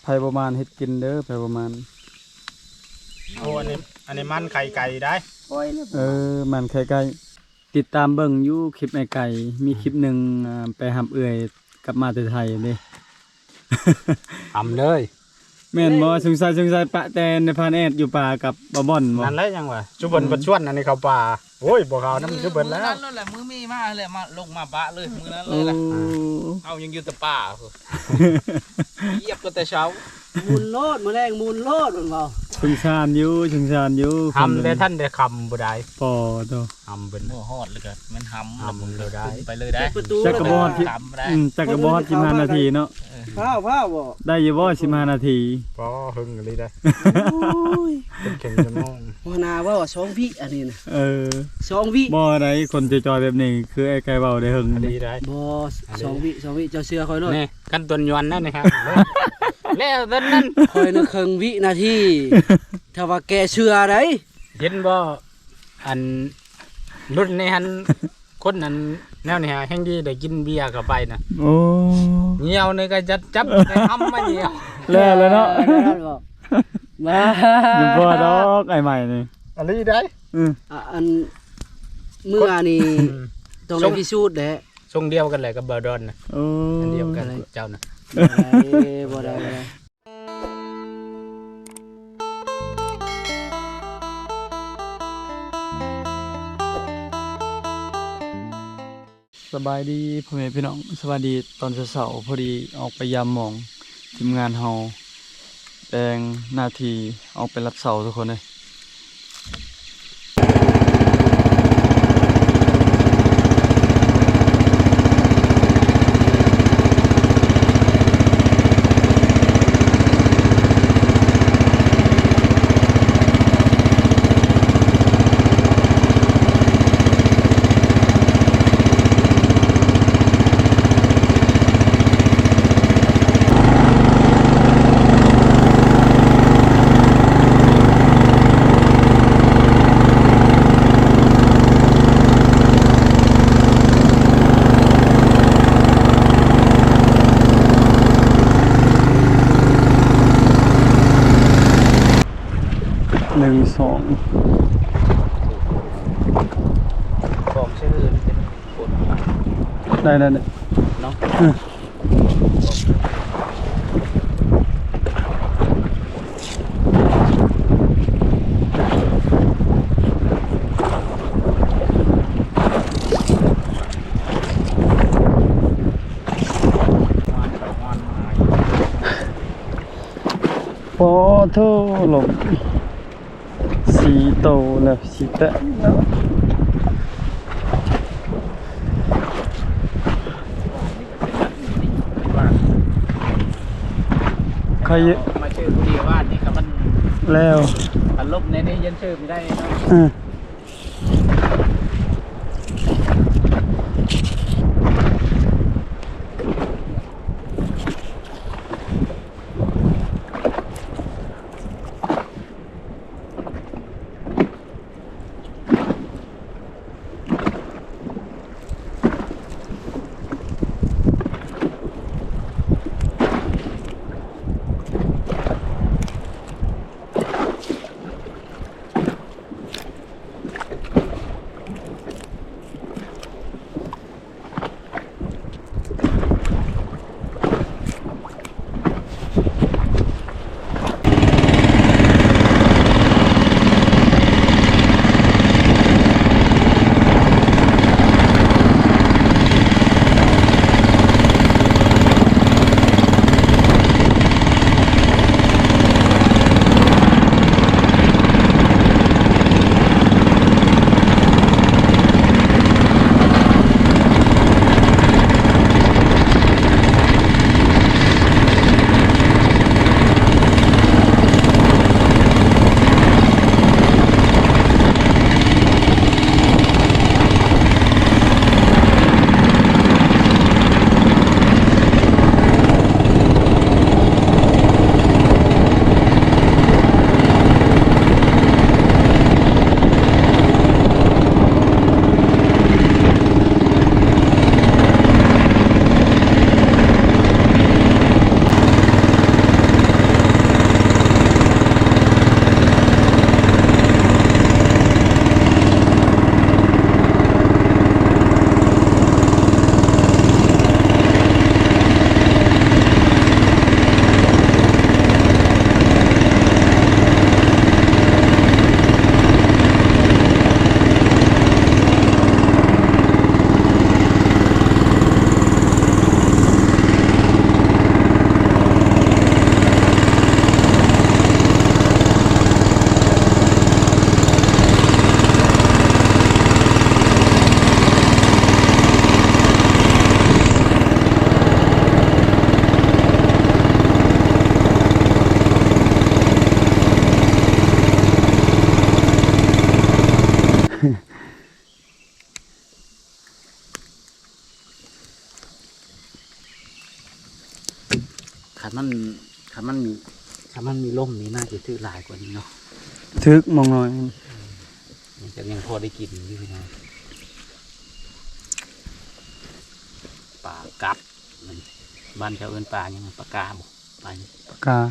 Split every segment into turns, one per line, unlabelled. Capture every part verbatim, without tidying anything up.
ประมาณเฮ็ดกินเด้อไผประมาณ
โอ้อันนี้อันนี้มันไข่ไก่ได้
เออมันไข่ไก่ติดตามเบิ่งอยู่คลิปไอ้ไก่มีคลิปหนึงไปหำเอื่อยกลับมาแต่ไทยเด้
ทำเลย
แม่นบ่สงสัยสงสัยปะแตนในพานแอดอยู่ป่ากับบ่บ่อนบ่
นั่นแหละยังวะจุบเบิ้ลประชวนอันนี้เขาป่าโอ้ยบ่เขานั่นจุบเบิ้ลแล้ว
นั่นแหละมือมีมาเลยมาลงมาบะเลยมือนั้นเลยแหละเอายังอยู่แต่ป่าเหยียบก็แต่เช้า
มูลโลดมือแรงมูลโลดมันบอก
สงสารอยู่สงสารอยู่
ทำได้ท่านได้คำบ่ได้
ปอโต
ทำเป็น
โม่ฮอดเลยกันมันหำ
ทำเลยได้
ไปเลยได้
ประตู
จักกระบอดที่
หำได้
อืมจักกระบอดสิบห้านาทีเนาะ
ผ้าผ้าบ่
ได้อยู่บ่สิบห้านาที
พอหึงเลยได้
โอ้ย
เป็นเข่งจะมอง
พนาว่าว่าสองวิอันนี้นะ
เออ
สองวิ
บ่ได้คนจอยๆแบบนี้คือไอ้ไก่เว้าได้หึง
ดีได้
บ่สองวิสองวิเจ้าเสื้อคอยโลด
นี่กันตัวยวนนั่นนะครับแล้วตอนนั้น
คอยนึกครึ่งวินาทีถ้าว่าแกเชื่อได้
เห็นบ่อันรุ่นนี้ฮันคนนั้นแนวนี้ฮะแห่งดีได้กินเบียร์เข้าไปน่ะ
โอ้
เหี่ยวนี่ก็จัดจับได้ทำมาเหี่ยว
แล้วแล้วเนาะ
มา
ยังบ่ดอกไอ้ใหม่นี่
อันนี้ได้
อือ
อ่ะอันเมื่อนี่ต้องได้พิสูจน์แหละ
ทรงเดียวกันเลยกับเบอร์ดอนน่ะ
โอ้
อันเดียวกันเจ้าน่ะ
บ่ได้บ่ได้บ่ได้
สบายดีพ่อแม่พี่น้องสวัสดีตอนเช้าๆพอดีออกไปยามหมองทีมงานเฮาแปลงหน้าที่ออกไปรับเสาทุกคนเลยหนึ่งสอง
บอกชื่อเป็นคน
ได้ได้ได้
เนาะ
พอโทหลบสีโตแล้วสีแตะแล้วใคร
มาชื่อผู้เดียวว่านี่ครับมัน
แล้ว
อารมณ์ในนี้ยันชื่อไม่ได้เนาะ
อือ
มันถ้ามันมีถ้ามันมีลมนี่น่าจะถือหลายกว่านี้เนาะ
ทึกมองหน่อย
มันจะยังพอได้กินอยู่นะปลากัดมันบ้านเขาเอิ้นปลายังไงปลากาบ่ปลา
ปากกา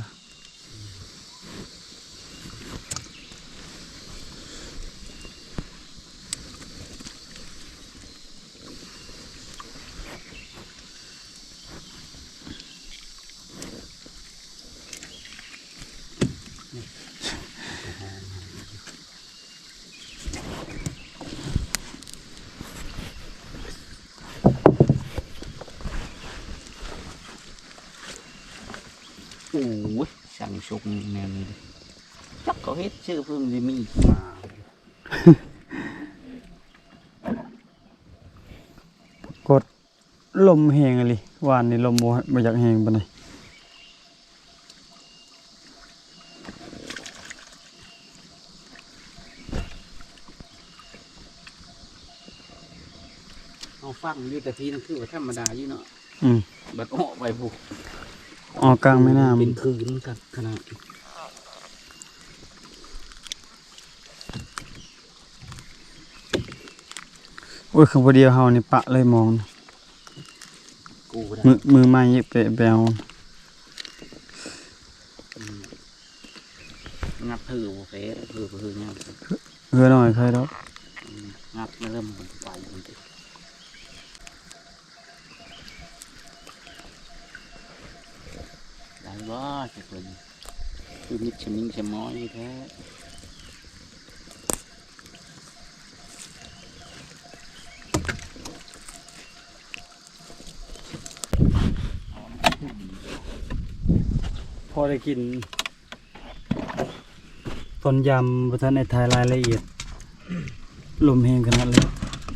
โอ้ยสั่งชุกแนวนี้เลยจักเขาเฮ็ดชื่อเพิ่มจะมีมา
กดลมแหงอะไรวานนี่ลมบ่บ่อยากแหงปานใด
เอาฟังอยู่แต่ทีนั่นคือว่าธรรมดาอยู่เนาะ
อืม
บัดออกไปบุก
ออกกลางแม่น้ำ
เป็นคืนครับขนาด
โอ้ยคือบ่เดียวเฮานี่ปะเลยมอง
กูได้
มือมือไม้ไปไปเอา
งับถือบุฟเฟ่ถือถือเนี่ย
เฮือหน่อยใครดอก
งับเริ่มมันไปมันจะได้บ่จะคนคือมิดชมิงชะม้อยแท้
พอได้กินต้นยำบ่ทันได้ถ่ายรายละเอียดลมแหงขนาดเลย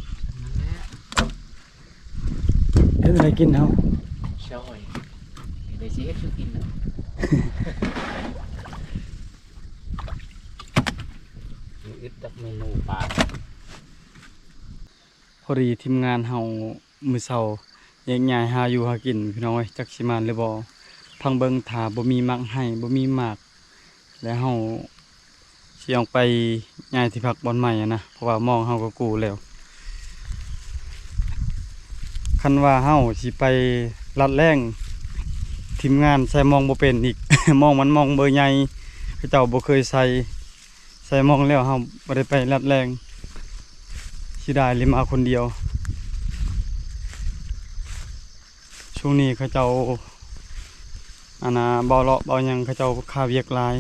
เฮ็ดอะไรกินเฮา
ช่อยเดี๋ยวสิเฮ็ดคือกินนะ มีอึดตักเมนูปลา
พอดีทีมงานเฮามื้อเช้าแยกย้ายหาอยู่หากินพี่น้องเอ้ยจักสิมานหรือบ่พังเบิ่งถ้าบ่มีมักให้บ่มีหมากแล้วเฮาสิออกไปย้ายที่พักบ่อนใหม่อะนะเพราะว่ามองเฮาก็กู้แล้วคันว่าเฮาสิไปลัดแรงทีมงานใส่มองบ่เป็นอีก มองมันมองเบอร์ใหญ่เขาเจ้าบ่เคยใส่ใส่มองแล้วเฮาบ่ได้ไปลัดแรงสิได้เลยมาคนเดียวช่วงนี้เขาเจ้าอันน่ะเบาเลาะเบาหยังเขาเจ้าค่าเวียกหลาย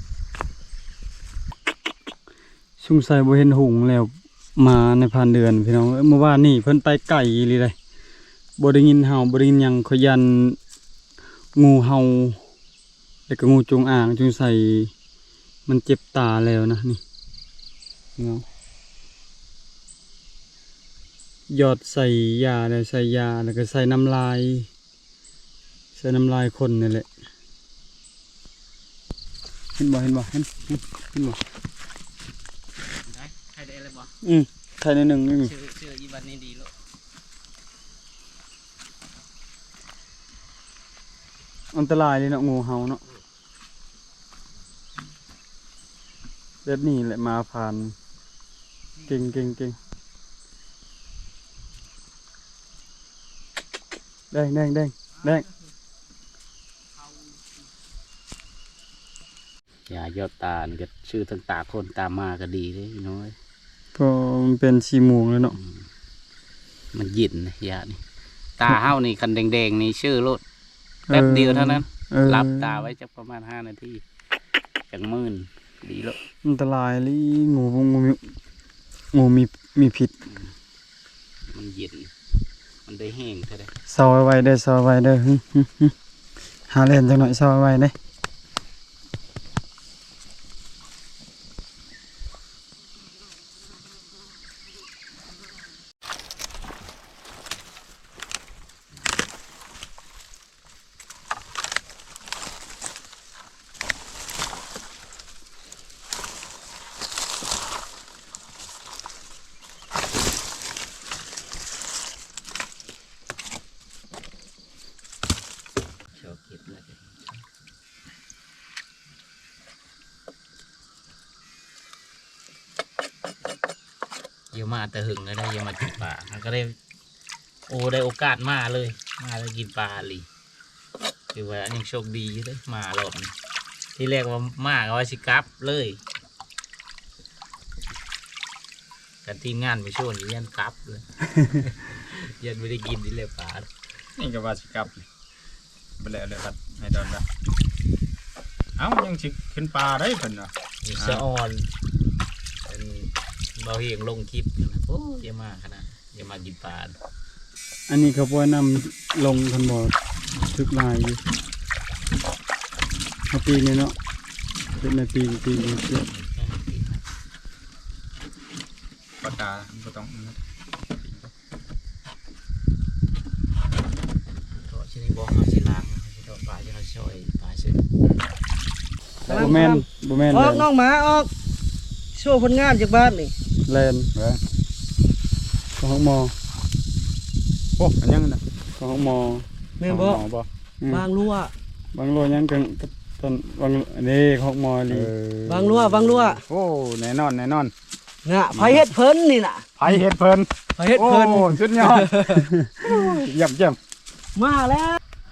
สงสัยบ่เห็นหุงแล้วมาในพันเดือนพี่น้องเอ้ยเมื่อวานนี่เพิ่นไปไก่อีหลีเลยบ่ได้ยินเห่าบ่ได้ยินหยังเขายันงูเห่าแล้วก็งูจงอางจงใส่มันเจ็บตาแล้วนะนี่เนาะหยอดใส่ยาแล้วใส่ยาแล้วก็ใส่น้ำลายใส่น้ำลายคนนี่แหละเห็นบ่เห็นบ่เห็นเห็นเห็นบ่
ได้ใครได้อะไรบ่
อืมไทยในหนึ่งนี่
ชื่อชื่ออีบันนี่ดีลูก
อันตรายเลยเนาะงูเห่าเนาะแบบนี้แหละมาผ่านเก่งเก่งเก่งแดงแดงแดงแดง
อย่ายอดตาลก็ชื่อทั้งตาคนตามมาก็ดีเลยพี่น้อย
ก็มันเป็นชีมูงเลยเนาะ
มันหยินนะยานี่ตาเฮ้านี่คันแดงๆนี่ชื่อรถแป๊บเดียวเท่านั้น
เออ
รับตาไว้จักประมาณห้านาทีจังมื่นดีแล้ว
อันตรายเลยงูงูมีงูมีมีพิษ
มันหยินมันได้แห้งเท่าได
เศร้าไว้ได้อเศร้าไว้ได้อหึหึหึหาเล่นจังหน่อยเศร้าไว้ได้อ
อย่ามาแต่หึงก็ได้อย่ามากินปลามันก็ได้โอ้ได้โอกาสมาเลยมาแล้วกินปลาลีคือว่ายังโชคดีอยู่เลยมารอบนี้ที่แรกว่ามาก็ว่าสิกลับเลยกันทีมงานไปช่วยนี่ยันกลับเลย ยันไม่ได้กินนี่เลยปลา
นี่ก็ว่าสิกลับไปแล้วเลยครับให้ดอนละเอ้ายังสิขึ้นปลาได้เพิ่นว่ะ
มีเสื้ออ่อนเป็นเบาเฮียงลงคลิปอยู่นะโอ้เยอะมากขนาดเยอะมากกินปลา
อันนี้เขาบ่นำลงคันบ่ทึกลายอยู่เอาปีนี้เนาะเป็นในปีปีนี้เยอะ
ปลาตาบ่ต้อง
ตัวชนิดบอกเขาสิล้างตัวปลาที่เขาช่วยปลาชื่อ
บ่แม่นบ่แม่น
อ
แล
อกน้องหมาออกโชว์ผลงานจากบ้านนี่
แลน
เว้ย
ของห้องหมอ
โอ้อันยังน่ะ
ของห้องหมอ
แม่นบ่
หมอบ่
อืม
บางรั่ว
บางโลยังกันกับตอนบางอันนี้ของหมอลี
บางรั่วบางรั่ว
โอ้แน่นอนแน่นอน
น่ะไผเฮ็ดเพิ่นนี่น่ะ
ไผเฮ็ดเพิ่น
ไผเฮ็ดเพิ่น
โอ้สุดยอดเยี่ยมเยี่ยม
มาแล้ว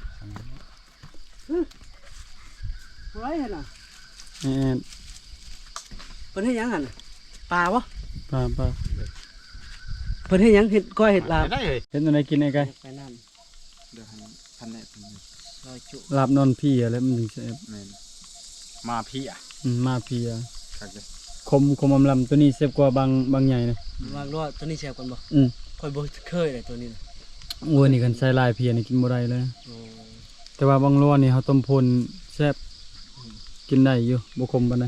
ไรหั่นน่ะ
นี่
เพิ่นเฮ็ดหยังหั่นน่ะปลาบ่
ปลาปลา
เพิ่นเฮ็ดหยังเฮ็ดก้อยเฮ็ดลาบ
ได้เลย
เห็นอะไรกินไอ้ไก่
ไปนั่น
เดี๋ยวให้พันแน่
ซอยจุ
ลาบนอนพี่อะไรมันถึงจะแอบ
แม่นมาพี่อ่ะ
อืมมาพี่อะ
ครับเด้อ
คมคมอำลำตัวนี้เซฟกว่าบางบางใหญ่นะ
บางรั่วตัวนี้แซ่บกันบ่
อืม
ค่อยบ่เคยเลยตัวนี้น่ะ
โอ้ยนี่กันใส่ลายเพียนี่กินบ่ได้เลย
โอ้
แต่ว่าบางรัวนี่เขาต้มพลแซ่บกินได้อยู่บ่คมปานใด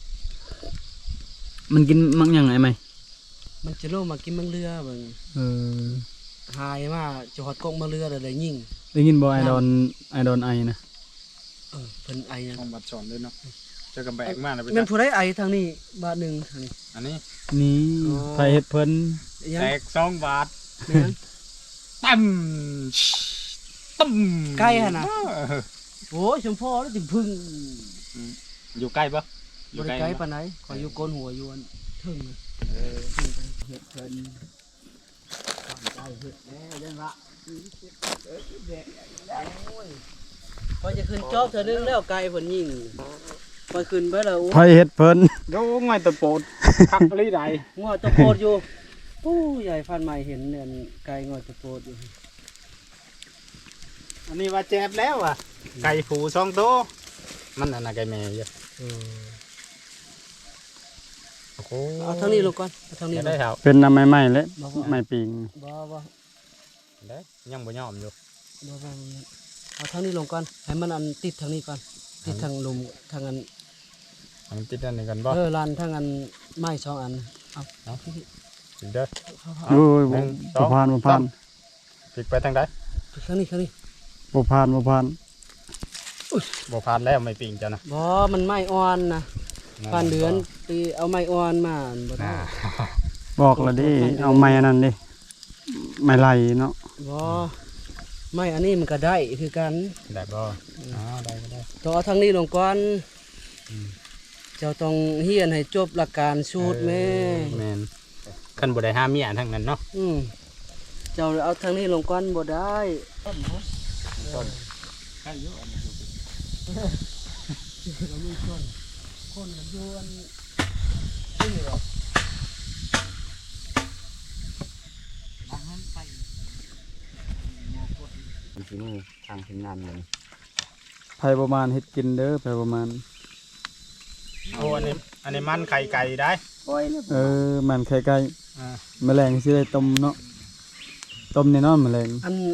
มันกินมักหยังไงไหม
มันจะโลมากินมังเรือเบิ่ง
เออ
หายมาจะฮอดกกมังเรือแล้วได้ยิง
ได้ยินบ่ไอดอนไอดอนไอนะ
เออเพิ่นไอหยัง
ต้องบัดสอนด้วยเนาะเจอกับแบกมากนะไป
แม่น
จ้ะ
ผู้ใดไอทางนี้บาทหนึงทางนี้
อันนี้
นี่
อ๋อ
ไผเฮ็ดเพิ่น
อิหยัง
แตกสองบาท
แม่น
ตั้มตั้ม
ใกล้หั่นน่ะ
เออ
โอ้ยชมพ่อแล้วจิพึ่ง
อยู่ใกล้ปะอบ ยู่
ริ
ใกล้
ไกล
ปะ
ปานไหนขอยอยู่โกนหัวอยู่อันถึงนะ
เออ
เฮ็ดเพิ่นใจเฮ็ดแล้วยันละพอจะขึ้นจอบเธอนึงแล้วไกลเพิ่นยิงพอขึ้นไปแล้ว
ไผเฮ็ดเพิ่น
โอ้ง่อยตะโปดคักปลีใด
งอตะโพดอยู่ปู้ใหญ่ฟันใหม่เห็นเนี่ยไกลงอตะโพดอยู่
อันนี้ว่าเจ็บแล้วอ่ะไก่ผูสองตัวมันอันน่ะไก่แม่เยอะโอ้โห
เอาทางนี้ลงก่อนเอาทางนี้
จะ
ล
ได้
ง
เท่า
เป็นน้ำไม้ๆและ
บ่บ่
ไม้ปิง
บ่บ่
ได้ยังบ่ยอมอยู่
บ่บ่เอาทางนี้ลงก่อนให้มันอันติดทางนี้ก่อนติดทางลมทางอัน
ให้มันติดอันนี้กันบ่
เออลานทางอันไม้สองอันเอา
ติดเด้อ
โอ้ย
ห
บ่
นึ่งส
บ่
อง
ผ่านบ่ผ่าน
พลิกไปทางใด
ทางนี้ทางนี้
บ่ผ่านบ่ผ่าน
บ่ผ่านแล้วไม่ปิงจ้ะนะ
บ่มันไม้อ่อนนะปานเดือนตีเอาไม้อ่อนมาอันบ่ได้
น่า
บอกแล้วดิเอาไม้อันนั้นดิไม้ไหลเนาะ
บ่ไม่อันนี้มันก็ได้คือกัน
ได้บ่อ๋อได้ก็ได้
ต้องเอาทางนี้ลงก่อนเจ้าต้องเฮียนให้จบหลักการสูตรแม่
แม่นคันบ่ได้ห้ามเมียทั้งนั้นเนาะ
อืมเจ้าเอาทางนี้ลงก่อนบ่ได้ คนกันยวนนี่หรอ
ที่นี่ทางทีมงานเลย
ไผประมาณเฮ็ดกินเด้อไผประมาณ
โอ้อันนี้อันนี้มันไข่ไก่ได้
เออมันไข่ไก่
อ่า
แมลงสิได้ต้มเนาะต้มแน่นอนแมลง
อัน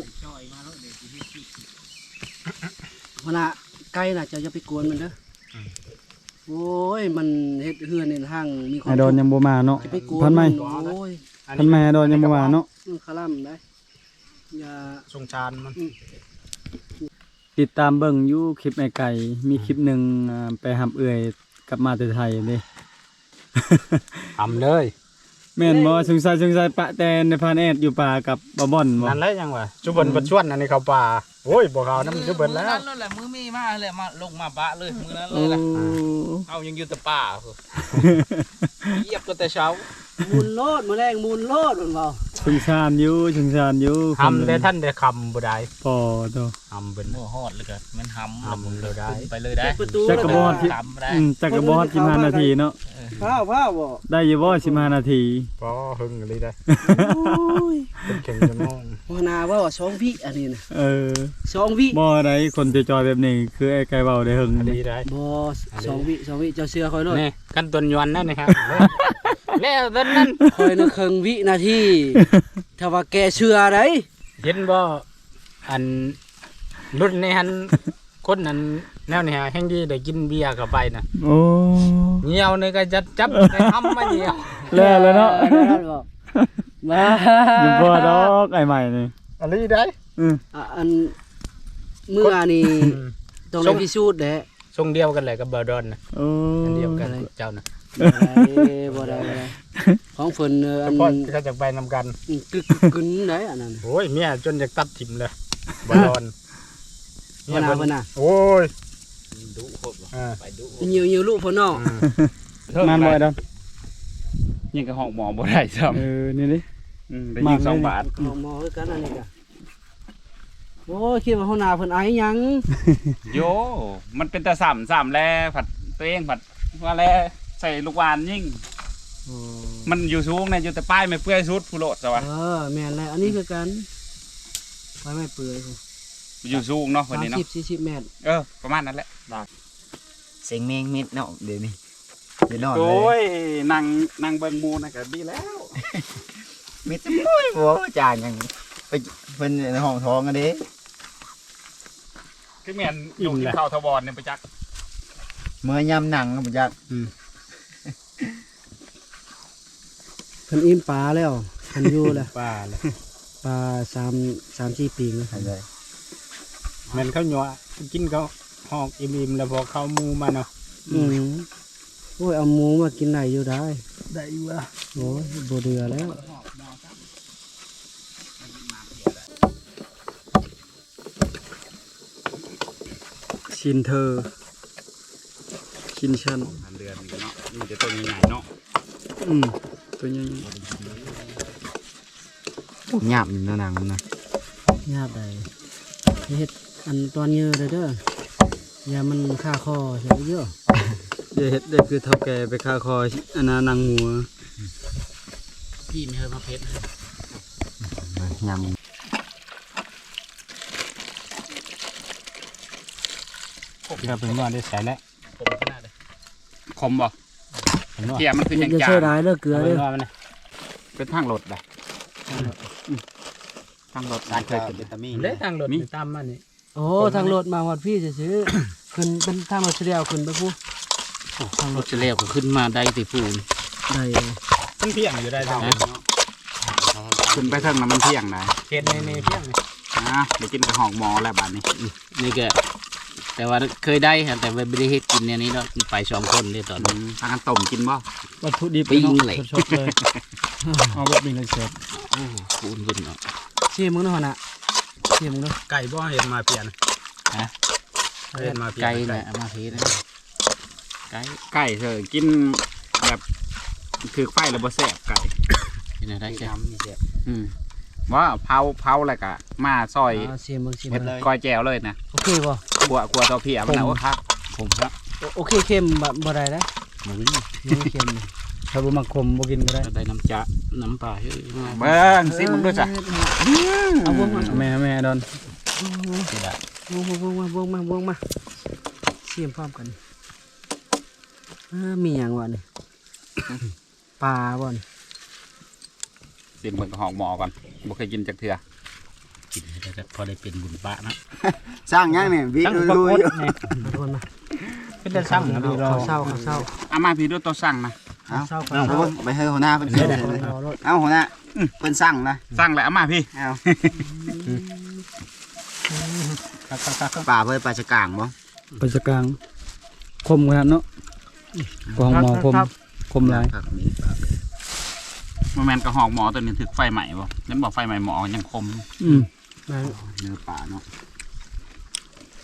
มันน่ะไก่น่ะเจ้าอย่าไปกวนมันเด้อโอ้ยมันเฮ็ดเฮือนในห้างมีควา
ไอ
ม
ดอนยังบ่มาเนาะ
จะไปกวน
พันไหม
โอ้ย
พันไหมไอดอนยังบ่มาเนาะ
มันคล่ำได้อย่า
สงชานมัน
ติดตามเบิ่งอยู่คลิปไอไก่มีคลิปหนึงอ่าไปหับเอื่อยกลับมาแต่ไทยเด้
ทำเลย
แม่นบ่สงสัยสงสัยปะแตนในพานแอดอยู่ป่ากับบ่บ่อนบ่
นั่นแหละยังวะจุบนบัดชวนอันนี้เขาป่าโอ้ยบ่เขาน้ำจุบนแล้ว
มือนั้นเลยแหละมือมีมาเลยมาลงมาบะเลยมือนั้นเล
โอ้
ยแหละเอายังอยู่แต่ป่าเหยียบก็แต่เช้า
มูลโลดมื้อแรงมูลโลดเพิ่นเว้า
ชงชานอยู่ชงชานอยู่
ทำได้ท่านได้คำบ่ได้
พอตัว
ทำเป็น
โอ้ฮอดเลยกันมันหำ
หำเลยได้
ไปเลยได้
เปิดประตู
จักรบอลที่
ตำได้
อืมจักรบอลสิบห้านาทีเนาะ
พาวพาวบ่
ได้อยู่บ่สิบห้านาที
พอหึงเลยได้
โอ้ย
เป็นเก่งจะมอง
หัวหน้าเว่าว่าสองวิอันนี้น่ะ
เออ
สองวิ
บ่อะไรคนจะจอยแบบนี้คือไอ้ไก่เบาได้หึง
อันนี้ได้
บ่สองวิสองวิเจ้าเชื่อคอยโลด
นี่กันต้นยวนนั่นนะครับแล้วต้นนั้น
คอยนึกครึ่งวินาทีถ้าว่าแกเชื่อได้
เห็นบ่อันรุ่นในหันคนนั้นแนวนี้ฮะแห่งดีได้กินเบียร์เข้าไปน่ะ
โอ้
เหี่ยวนี่ก็จัดจับในทำมาเหี่ยว
แล้วแล้วเนาะ
ออนั่นบ่มา
อยู่บ่ดอกไอ้ใหม่นี่
อันนี้ได้
อือ
อ่ะอันเมื่อนี่ต้องได้พิสูจน์แหละ
ทรงเดียวกันเลยกับเบอร์ดอนน่ะ
โอ้
อันเดียวกันเจ้าน่ะ
บ่ได้บ่ได้ของเพิ่นเอ่ออัน
เพราะเขาจะไปนำกัน
กึกกึนได้อันนั้น
โอ้ยเมียจนอยากตัดถิ่มเลยบอลอน
หัวหน้าเพิ่นน่ะ
โอ้ย
ดุโคตร
อ่า
ไปดุ
ยิวยิวลูกเพิ่นเนาะ
นานบ่ไอ้ดอน
ยังกับห้องหมอบ่ได้ซ้
เออนี่ดิ
ำอืมได้ยิงสองบาท
หมอหมอคือกันอันนี้ก็โอ้ยคิดว่าหัวหน้าเพิ่นไอหยัง
โยมันเป็นแต่สามสามแลผัดตัวเองผัดว่าแลใส่ลูกหวานยิ่ง มันอยู่สูงในะอยู่แต่ป้ายไม่เปื่อยสุดผู้โลดซะวะ
เออแม่นแล้วอันนี้คือกันไปไม่เปื่อย
อยู่สูงเนาะวันนี้เนาะ
สามสิบสี่สิบเมตร
เออประมาณนั้นแหละ
เสียงเมงมิดเนาะเดี๋ยวนี้เดี๋ยวนอนเล
โอ้
ย
ยนั่งนั่งเบิ่งหมูนะก็ดีแล้ว
มิดจะมุ้ยหัวจานยังไปเพิ่นในห้องท้องกันเด้
คือแม่นอยู่ที่เขาทวารเนี่ยไปจัก
เมื่อยำหนังก็บ่จัก
เพิ่นอิ่มปลาแล้วเพิ่นอยู่แล้ว
ป้าเลย
ปลาสามสามสี่ปีแล้ว
ใช่เลย
แมันเขาหยัวกินเขาหอกอิ่มๆแล้วพอเข้ามูมาเนาะ
อืมโอ้ยเอาหมูมากินได้อยู่ได้
ได้อยู่อ่ะ
โอ้ยบ่เดือแล้ว
ชินเธอชินชัน
อันเดือนนี้เนาะนี่จะตัวใหญ่เนาะ
อืมตัวใหญ่
หยาบอยู่ในหนังนะ
ยากได้เฮ็ดอันตอนเยอะเลยเด้ออย่ามันค่าคอเสียเยอะ
เดี๋ยวเฮ็ดได้คือเท่าแก่ไปคาคออันน่ะนางหัว
พี่ไม่เคยมาเพชร
ยำ
เราเป็นว่าได้ใส่แล้ว
ผมขนาดเลยคมบ่
เป็นว่า
เทียมันคือ
อย่า
ยัง
อย่า
จา
เชื่อ
ง
ร้ายเด้อเกลือ
เป็
เด้
น
อ
ว่ามันนะ
เป็นทางรถได้ทางรถเคยเป็นวิตามิน
เด้ทางรถตามมานี่
โอ้ทางรถมาฮอดพี่ซื่อๆขึ้นเป็นทางรถเสียวขึ้นไปผู้
ทางรถจะเลี้ยวก็ขึ้นมาได้ติปูน
ได้
ขึ้นเพียงอยู่ได้ทาง
ขึ้นไปเทิงน้ำมันเที่ยงนะ
เขตในในเพียง
อ่ะเดี๋ยวกินกับหอกหมอแล้วบาดนี้
นี่ก็แต่ว่าเคยได้ครับแต่ว่าไม่ได้เฮ็ดกินเนี่ยนี้เนาะไปสองคนเลยตอน
อื
นี้
มทางกันต้มกินบ่
วัตถุดิบ
ปิ้ง
เนาะ
เลย
สดๆเลยเอาแบบนี้เลยเสร็จ
โอ้คูณขึ้นเนาะ
ชิมมึงเนาะน่ะชิมมึงเนาะ
ไก่บ่เห็นมาเปลี่ยนเห็นมาเปลี่ยน
ไก่นะเอามาเทนะไก่
ไก่เธอกินแบบถือไฟแล้วบ่แซ่บไก่
ที่ไหนได้ใช่
อืมว่าเผาเผาอะไรกะมาซอย
อ่าชิมมึงชิม
เฮ็ด
มึง
ก้อยแจวเลยนะ
โอเคบ่
กลัวกลัวตัวเพียมันนะโอ้ครับ
ผมครับ
โอเคเข้มแบบบ่ได้แล้ว
หมู
ยังเค็มอยู่
ถ้าบ่มักขมบ่กินก็ได้
ได้น้ำจะน้ำปลาเฮ้ยมา
เบิ้งซิมึงด้วยจ้ะ
เอาวงมา
แม่แม่ดอน
วงมาวงมาวงมาวงมาชิมพร้อมกันเออมีหยังวะนี่ปลาบ่นี่
ซิมึงกับหอกหมอก่อนบ่เคยกินจากเถื่อ
กินแล้วก็พอได้เป็นบุญปะนะ
สร้างยังเนี่ยวิ
ตั้ง
ดู
ประ
ดู
กฏ
อยู่
นี่
ขอโทษนะ
เป็นแต่สั่งนะดูเรา
ข้าวเศร้าข้าวเศร้า
เอามาพี่ด้วยตัวสั่งนะ
เอา
ข้าวเศร้า
เอา
ข้าวเศร้า
ไปให้หัวหน้าเป็นเสือเลย
รอรถ
เอาหัวหน้าเป็นสั่งนะ
สั่งแล้วเอามาพี่
เอา
ครับๆ
ป่าเพื่อปลาชะกางบ่
ไปสกลางคมขนาดเนาะกองหมอคมคมหลาย
ผักมีปลา
มันแมนกับหอกหมอตัวนี้ถึกไฟใหม่บ่นั่นบอกไฟใหม่หมอยังคม
อืม
มา
เนื้อปลาเนาะ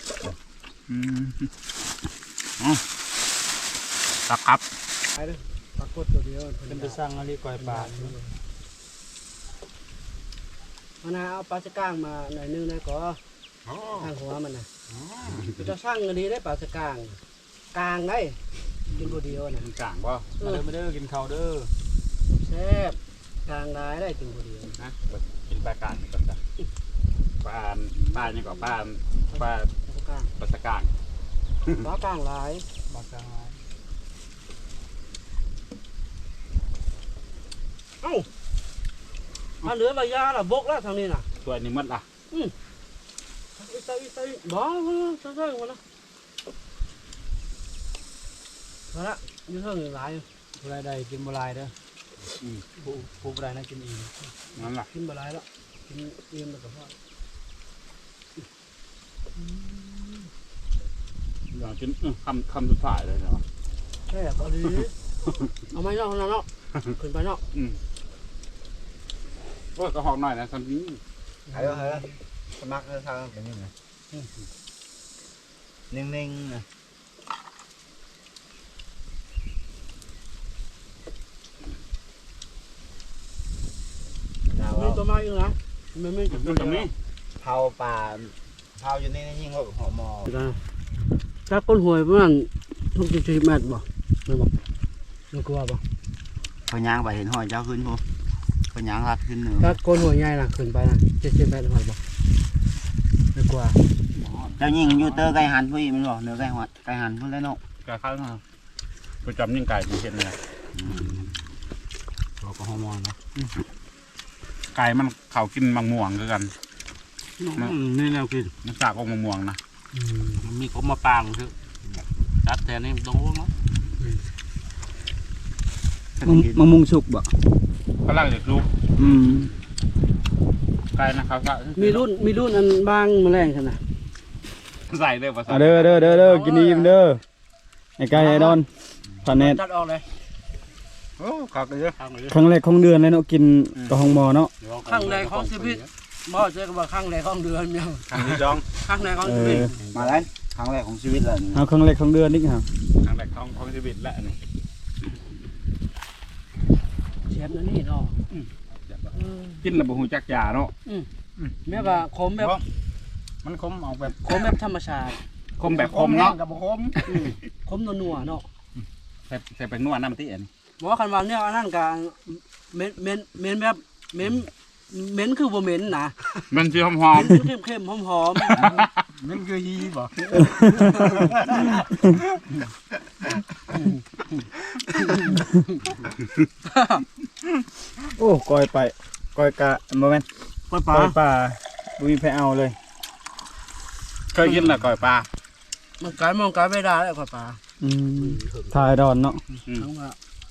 อืมอ๋อครับครับ
ปรากฏตัวเดียว
เป็นไปสร้างอะไรก่อยปลา
มันนะเอาปลาสะก้างมาหน่อยนึงได้ก็ข้างหัวมันน่ะจะสร้างอันนี้ได้ปลาสะก้างกลางได้กินตัวเดียวน่ะ
มันกลางบ่
มาเด้อมาเด้อกินข้าวเด้อ
แซ่บกลางได้ได้กินตัวเดียว
นะกินปลากลางนี่ก่อนจ้ะปลาปลานี่ก็ปลาปลา
ปลากลาง
ปลาสะกาง
ปลากลางหลาย
ปลากลาง
ถ้าเหลือใบยาล่ะบกแล้วทางนี้น่ะ
ตัวนี้หมดล่ะ
อีใส่อีใส่บ้ามาใส่ใส่มาละมาละอยู่เท่าไหร่หลาย
ผู้ใดได้กินบ่หลายเด้ออืมผู้ผู้บ่ได้น่ากินอิ่ม
นั่นล่ะ
กินบหลายแล้วกินเอี่ยมแล้วก็พอ
อยากกินอื้อคำคำสุดท้ายเลยเนาะ
แซ่บดีเอาไม้นอกนอกขึ้นไปนอก
อืมโอ้ยก็หอกหน่อยนะสันนี้
เฮ้ยเฮ้ยสมัครทางเป็นยังไงนิ่งๆนะ
มีตัวไม้อยู่นะมันไม่จุด
ดูตรงนี้
เผาป่าเผาอยู่นี่ยิ่งกว่าหัวหมอ
ถ้าก้นหวยประมาณทุกสิบเมตรบ่ไม่บอกไม่กลัวบ่
พยางไปเห็นหอยเจ้าขึ้นผมพยางรัดขึ้นหนึ่ง
ถ้าก้นหวยใหญ่น่ะขึ้นไปน่ะเจ็ดสิบเมตรหอยบ่ไม่กลัว
เจ้ายิงยูเตอร์ไก่หันผู้หญิงมันบอกเนื้อไก่หันไก่หันพุ่นแล้วเนาะ
กาข้าวมาประจำยิ่งไก่ที่เห็นเลย
เราก็ฮอร์โมนเนาะ
ไก่มันเขากินมังม่วงคือกัน
นี่แนวกิน
มันสากของมังม่วงนะ
มันมีเขามาปางคือตัดแทนนี่ตรงนู้นเนาะ
มะมุงสุกบ่
ก็ล่างจากลูก
อืม
ไก่นะครับ
มีรุ่นมีรุ่นอันบางแมลงขนาด
ใส่เลยภาษา
อ่ะเด้อเด้อเด้อเด้อกินอิ่มเด้อไอ้ไก่ไอ้ดอนพาเนต
จัดออกเลย
โอ้ขอบเยอะ
ครั้งแรกของเดือนเลยเนาะกินกับห้องหมอเนาะ
ข้างในของชีวิตบ่เจอกับว่าข้างในของเดือนเมียว
ครั้งที่สอง
ข้างในของ
เอ
ชีวิต
อ
มาแล้วครั้งแรกของชีวิตเลย
เอาครั้งแรกของเดือนนี่ครับ
ครั้งแรกของของชีวิตและนี่
เชฟนั่นนี่เนาะ
กินแล้วบ่ฮู้จักยาเนาะ
แม่ว่าขมแบบ
มันคมออกแบบ
ขมแบบธรรมชาติ
คมแบบคมเนาะ
กับคม
ขมนัวๆเนาะ
ใส่ใส่เป็นนวดน้ำตีเอ็น
บอกว่าคันว่าเนี่ยอันนั้นก็เหม็นเหม็นเหม็นแบบเหม็นเหม็นคือบ่เหม็นนะ
มันสิหอม
เหม็นคือเข้มๆหอม
มันคือฮีบ่
โอ้ก้อยไปก้อยกะบ่แม่น
ๆปลาปลา
ก้อยป่าบ่มีไผเอาเลย
เคยกินแล้วก่อยปลา
มันกลายมองกลายไม่ได้แล้วปลาปลา
อืมทายดอนเนาะ
ทั้งว่า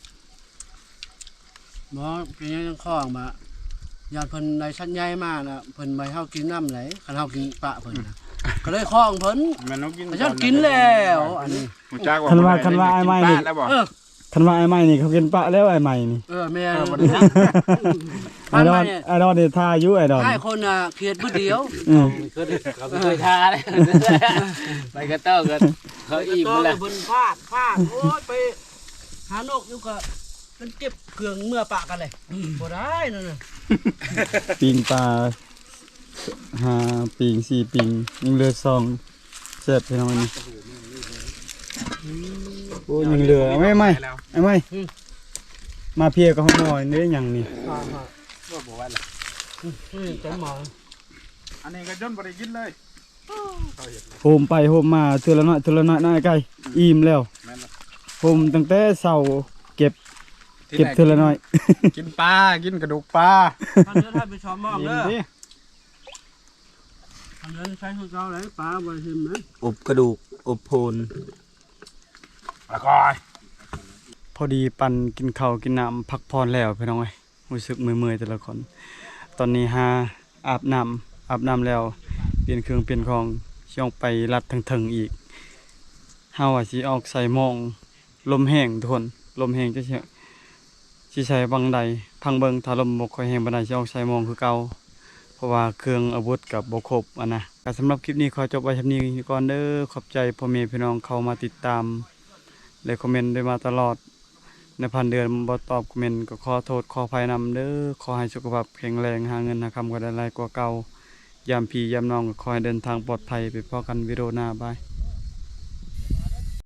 บ่เป็นยังจังข้องมาญาติเพิ่นในชั้นใหญ่มาน่ะเพิ่นไปเฮากินน้ำไหลคันเฮากินปลาเพิ่นน่ะก็เลยข้องเพิ่น
มันต้องกิน
แต่ฉันกินแล้วอันนี้
ฮู้จักว่า
คันว่าคันว่าไอ้ไม้นี่
แล้วบ่
เออ
คันว่าไอ้ไม้นี่เขากินปะแล้วไอ้ไม้นี่
เออแม่
เออบ่
น
ได้
ไอ้ดอนไอ้ดอนนี่ทาอยู่ไอ้ดอน
ให้คนน่ะเครียดมื้อเดียว
อืม
เคยเขาเคยทาเลยไปกระเต้ากันเขาอิ่ม
แล้ว
แล้ว
เพิ่นฟาดฟาดโอ้ยไปหานกอยู่ก็มันเก็บเครื่องเมื่อปะกันเลยบ่ได้นั่นน่ะ
ปิงปลาห้าปิงสี่ปิงยังเหลือสองแซ่บพี่น้องอันนี้โอ้ยยังเหลือเอาไม่ไม่ไอ้ไม่มาเพียกับห้องหมอนี่ได้หยังนี่
อ่าฮะอืมเต็มหมอ
อันนี้ก็จนบ่ได้กินเลย
โฮมไปโฮมมาเทื่อละน้อยเทื่อละน้อยน้อยไกลอิ่มแล้ว
แม่นบ่
โฮมตั้งแต่เช้าเก็บเก็บเทื่อละน้อย
กินปลากินกระดูกปลา
ท่านเดินให้ไปชมมองเด้อท่านเดินใช้ของเก่าเลยปลาบ่ได้ชิมนะ
อบกระดูกอบโพน
แล้วก็
พอดีปันกินข้าวกินน้ำพักผ่อนแล้วพี่น้องเอ้ยรู้สึกเมื่อยๆแต่ละคน ตอนนี้หาอาบน้ำอาบน้ำแล้วเปลี่ยนเครื่องเปลี่ยนของสิออกไปลัดถึงๆอีกเฮาว่าสิออกใส่หมองลมแห้งทุกคนลมแห้งจะสิสิใช้บังใดพังเบิงถ้าลมบ่ค่อยแห้งปานใดสิออกใส่หมองคือเก่าเพราะว่าเครื่องอาวุธกับบ่ครบอันนะก็สำหรับคลิปนี้ขอจบไว้เท่านี้ก่อนเด้อขอบใจพ่อแม่พี่น้องเข้ามาติดตามและคอมเมนต์ด้วยมาตลอดในพันเดือนบ่ตอบคอมเมนต์ก็ขอโทษขออภัยนำเด้อขอให้สุขภาพแข็งแรงหาเงินหาคำก็ได้หลายกว่าเก่ายามพี่ยามน้องก็ขอให้เดินทางปลอดภัยไปพบกันวิดีโอหน้าบาย